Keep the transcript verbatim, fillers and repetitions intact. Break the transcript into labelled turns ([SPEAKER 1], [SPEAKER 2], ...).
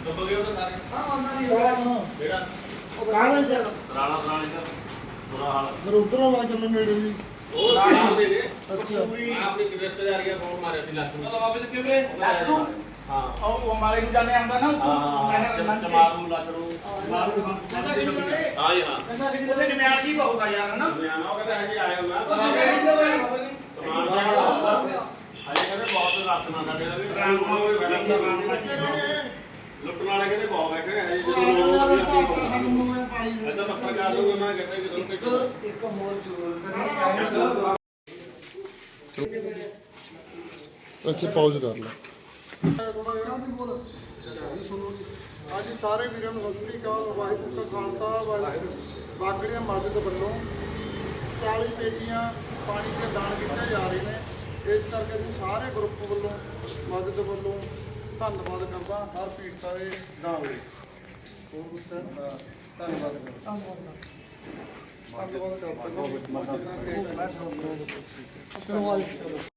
[SPEAKER 1] ਦੱਬ ਗਿਆ ਉਹਦਾ ਸਾਰੇ
[SPEAKER 2] ਹਾਂ ਉਹਨਾਂ ਦੀ ਜਿਹੜਾ
[SPEAKER 1] ਜਿਹੜਾ
[SPEAKER 2] ਕਾਹਦੇ ਚ
[SPEAKER 1] ਰਾਣਾ ਰਾਣੇ ਦਾ ਬੁਰਾ ਹਾਲ
[SPEAKER 2] ਫਿਰ ਉਧਰੋਂ ਆ ਚੱਲੋ ਨੇੜੇ ਜੀ
[SPEAKER 1] ਉਹ ਨਾਮ ਦੇ ਦੇ
[SPEAKER 2] ਅੱਛਾ
[SPEAKER 1] ਪੂਰੀ ਆਪਣੀ ਰਿਸ਼ਤੇਦਾਰੀ ਆ ਫੋਨ ਮਾਰਿਆ ਸੀ ਲੱਖ ਨੂੰ
[SPEAKER 3] ਬਾਬੇ ਦੇ ਕਿਵੇਂ ਲੱਖ ਨੂੰ
[SPEAKER 1] ਹਾਂ
[SPEAKER 3] ਉਹ ਉਹ ਮਾਲੇ ਨੂੰ ਜਾਣੇ ਆਉਂਦਾ ਨਾ
[SPEAKER 1] ਹਾਂ ਚਮਾਰੂ ਲੱਖ ਨੂੰ ਚਮਾਰੂ ਹਾਂ ਜੀ ਹਾਂ
[SPEAKER 3] ਉਹਦੇ ਨਿਆਲ ਕੀ ਬਹੁਤ ਆ ਯਾਰ ਹਨਾ
[SPEAKER 1] ਨਿਆਣਾ ਉਹ ਕਹਿੰਦਾ ਹਜੇ ਆਇਆ ਮੈਂ
[SPEAKER 3] ਬਾਬੇ ਦੀ
[SPEAKER 1] ਸਮਾਨ ਹਜੇ ਕਹਿੰਦੇ ਬਹੁਤ ਰੱਖ ਨਾ ਸਾਡੇ ਦਾ ਵੀ ਰਾਮ ਹੋਵੇ ਲੁੱਟਣ ਵਾਲੇ ਕਹਿੰਦੇ ਬਹੁਤ ਬੈਠੇ ਨੇ ਹਜੇ ਜਦੋਂ ਇਹਦਾ ਪੱਤਰਕਾਰ ਨੂੰ ਉਹਨਾਂ ਕਹਿੰਦੇ ਕਿ ਤੁਹਾਨੂੰ ਕਿੱਥੇ
[SPEAKER 2] ਇੱਕ ਹੋਰ ਜ਼ਰੂਰ ਕਰੀ
[SPEAKER 4] ਅੱਛਾ ਪਾਉਜ਼ ਕਰ ਲੈ
[SPEAKER 2] ਅੱਜ ਸਾਰੇ ਵੀਰਾਂ ਨੂੰ ਸਤਿ ਸ੍ਰੀ ਅਕਾਲ ਵਾਹਿਗੁਰੂ ਦਾ ਖਾਲਸਾ ਵਾਹਿਗੁਰੂ ਬਾਗੜੀਆਂ ਮਸਜਿਦ ਵੱਲੋਂ ਚਾਲੀ ਪੇਟੀਆਂ ਪਾਣੀ ਦੇ ਦਾਨ ਕੀਤੇ ਜਾ ਰਹੇ ਨੇ ਇਸ ਕਰਕੇ ਅਸੀਂ ਸਾਰੇ ਗਰੁੱਪ ਵੱਲੋਂ ਮਸਜਿਦ ਵੱਲੋਂ ਧੰਨਵਾਦ ਕਰਦਾ ਹਰ ਪੀੜਤਾ ਦੇ ਦਾਨ ਲਈ ਹੋਰ ਕੁਝ ਧੰਨਵਾਦ ਕਰਦਾ ਧੰਨਵਾਦ ਕਰਦਾ